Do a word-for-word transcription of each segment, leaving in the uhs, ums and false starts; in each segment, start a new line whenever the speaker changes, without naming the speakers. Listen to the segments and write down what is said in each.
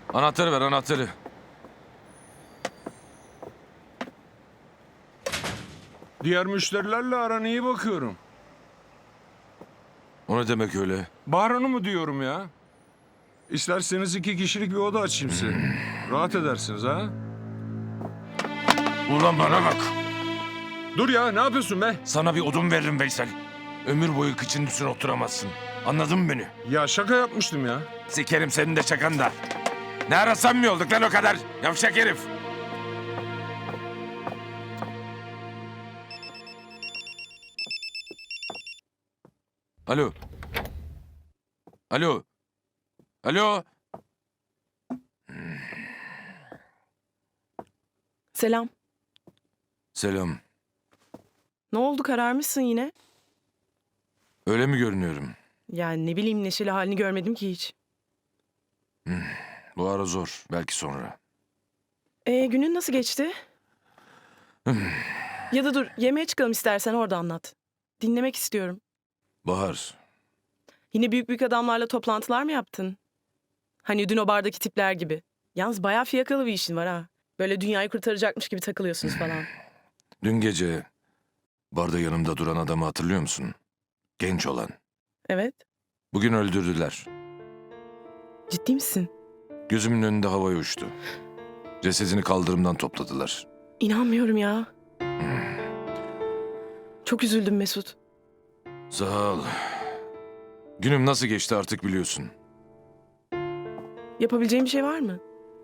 Anahtarı ver, anahtarı.
Diğer müşterilerle aran iyi bakıyorum.
O ne demek öyle?
Bahar Hanım'ı diyorum ya. İsterseniz iki kişilik bir oda açayım size. Rahat edersiniz ha.
Ulan bana bak.
Dur ya, ne yapıyorsun be?
Sana bir odun veririm Veysel. Ömür boyu kıçın üstüne oturamazsın. Anladın mı beni?
Ya şaka yapmıştım ya.
Sikerim senin de çakan da. Ne ara samimi olduk lan o kadar? Yavşak herif. Alo. Alo. Alo.
Selam.
Selam.
Ne oldu, kararmışsın yine?
Öyle mi görünüyorum?
Yani ne bileyim, neşeli halini görmedim ki hiç.
Bu ara zor. Belki sonra.
Ee, günün nasıl geçti? Ya da dur, yemeğe çıkalım istersen, orada anlat. Dinlemek istiyorum.
Bahar.
Yine büyük büyük adamlarla toplantılar mı yaptın? Hani dün o bardaki tipler gibi. Yalnız bayağı fiyakalı bir işin var ha. Böyle dünyayı kurtaracakmış gibi takılıyorsunuz falan.
Dün gece barda yanımda duran adamı hatırlıyor musun? Genç olan.
Evet.
Bugün öldürdüler.
Ciddi misin?
Gözümün önünde havaya uçtu. Cesedini kaldırımdan topladılar.
İnanmıyorum ya. Çok üzüldüm Mesut.
Sağ ol. Günüm nasıl geçti artık biliyorsun.
Yapabileceğim bir şey var mı?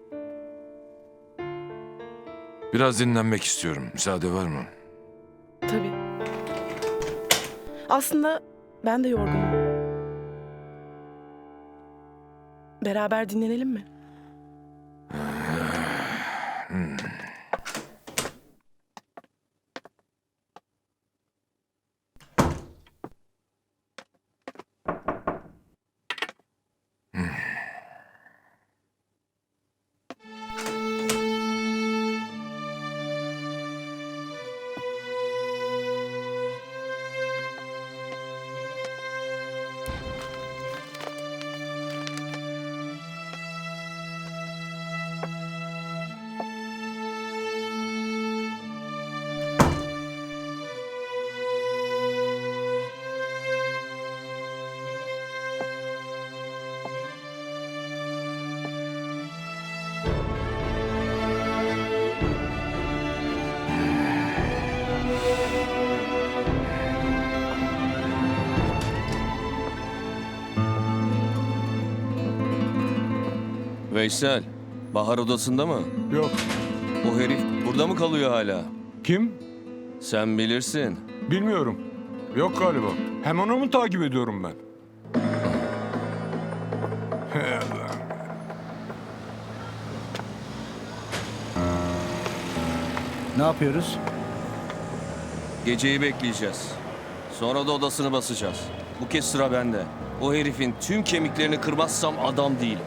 Biraz dinlenmek istiyorum. Müsaade var mı?
Tabii. Aslında ben de yorgunum. Beraber dinlenelim mi?
Veysel, Bahar odasında mı?
Yok.
O herif burada mı kalıyor hala?
Kim?
Sen bilirsin.
Bilmiyorum. Yok galiba. Hem onu mu takip ediyorum ben? Hey Allah.
Ne yapıyoruz?
Geceyi bekleyeceğiz. Sonra da odasını basacağız. Bu kez sıra bende. O herifin tüm kemiklerini kırmazsam adam değilim.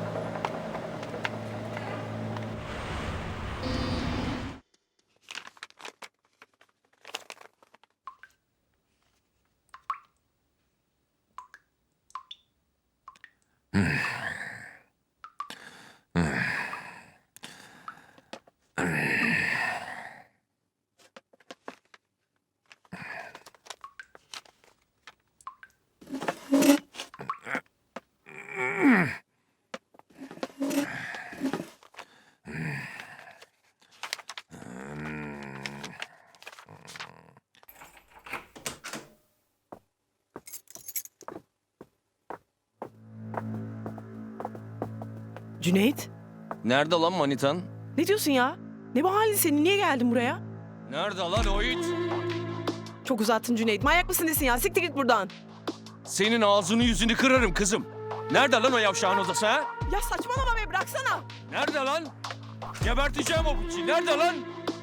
Cüneyt,
Nerede lan manitan?
ne diyorsun ya? Ne bu halin senin? Niye geldin buraya?
Nerede lan o it?
Çok uzattın Cüneyt. Manyak mısın nesin ya? Siktir git buradan.
Senin ağzını yüzünü kırarım kızım. Nerede lan o yavşağın odası ha?
Ya saçmalama be, bıraksana.
Nerede lan? Geberteceğim o piçi. Nerede lan?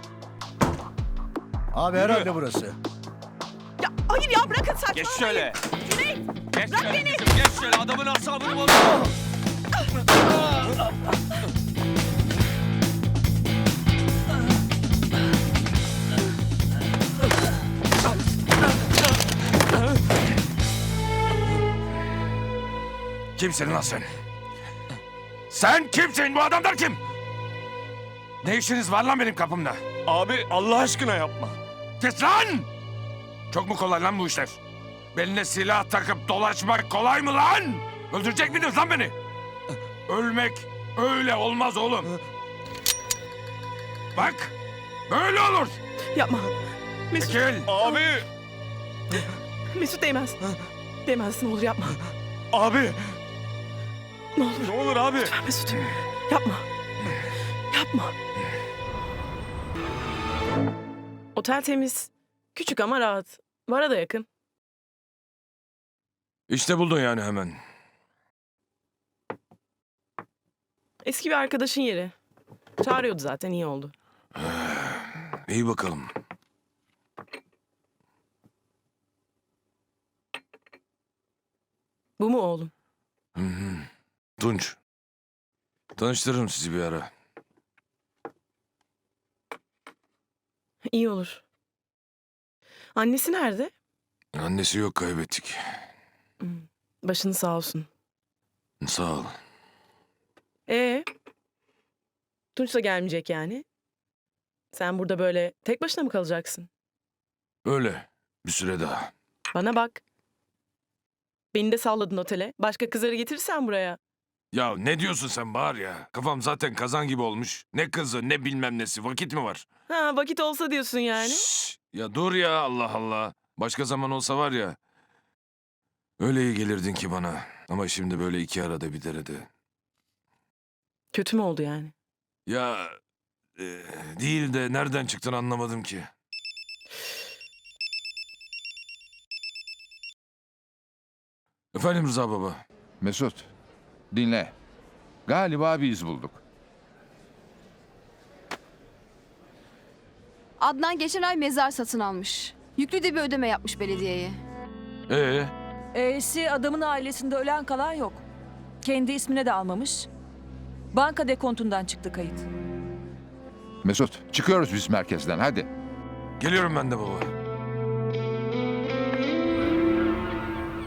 Abi herhalde burası.
Ya hayır ya, bırakın saçmalamayın.
Geç şöyle.
Cüneyt,
Geç
bırak
şöyle
beni.
kızım. Geç şöyle. Adamın asabını bozuyor.
Kimsin lan sen? Sen kimsin? Bu adamlar kim? Ne işiniz var lan benim kapımda?
Abi Allah aşkına yapma.
Kes lan! Çok mu kolay lan bu işler? Beline silah takıp dolaşmak kolay mı lan? Öldürecek miydiniz lan beni? Ölmek öyle olmaz oğlum. Bak, böyle olur.
Yapma. Mesut,
Çekil.
Abi.
Mesut değmez. Değmez ne olur yapma.
Abi.
Ne olur.
Ne olur abi.
Lütfen Mesut. Yapma. Yapma. Otel temiz. Küçük ama rahat. Vara da yakın.
İşte buldun yani hemen.
Eski bir arkadaşın yeri. Çağırıyordu zaten iyi oldu.
İyi bakalım.
Bu mu oğlum?
Hı hı. Tunç. Tanıştırırım sizi bir ara.
İyi olur. Annesi nerede?
Annesi yok, kaybettik.
Başını sağ olsun.
Sağ ol.
Ee, Tunç da gelmeyecek yani. Sen burada böyle tek başına mı kalacaksın?
Öyle. Bir süre daha.
Bana bak. Beni de salladın otele. Başka kızları getirirsen buraya.
Ya ne diyorsun sen Bahar ya? Kafam zaten kazan gibi olmuş. Ne kızı ne bilmem nesi. Vakit mi var?
Ha vakit olsa diyorsun yani.
Şşş! Ya dur ya, Allah Allah. Başka zaman olsa var ya. Öyle iyi gelirdin ki bana. Ama şimdi böyle iki arada bir derede.
Kötü mü oldu yani?
Ya e, değil de nereden çıktın anlamadım ki. Efendim Rıza baba.
Mesut, dinle. Galiba bir iz bulduk.
Adnan geçen ay mezar satın almış. Yüklü de bir ödeme yapmış belediyeye.
Ee,
E'si adamın ailesinde ölen kalan yok. Kendi ismine de almamış. Banka dekontundan çıktı kayıt.
Mesut, çıkıyoruz biz merkezden hadi.
geliyorum ben de baba.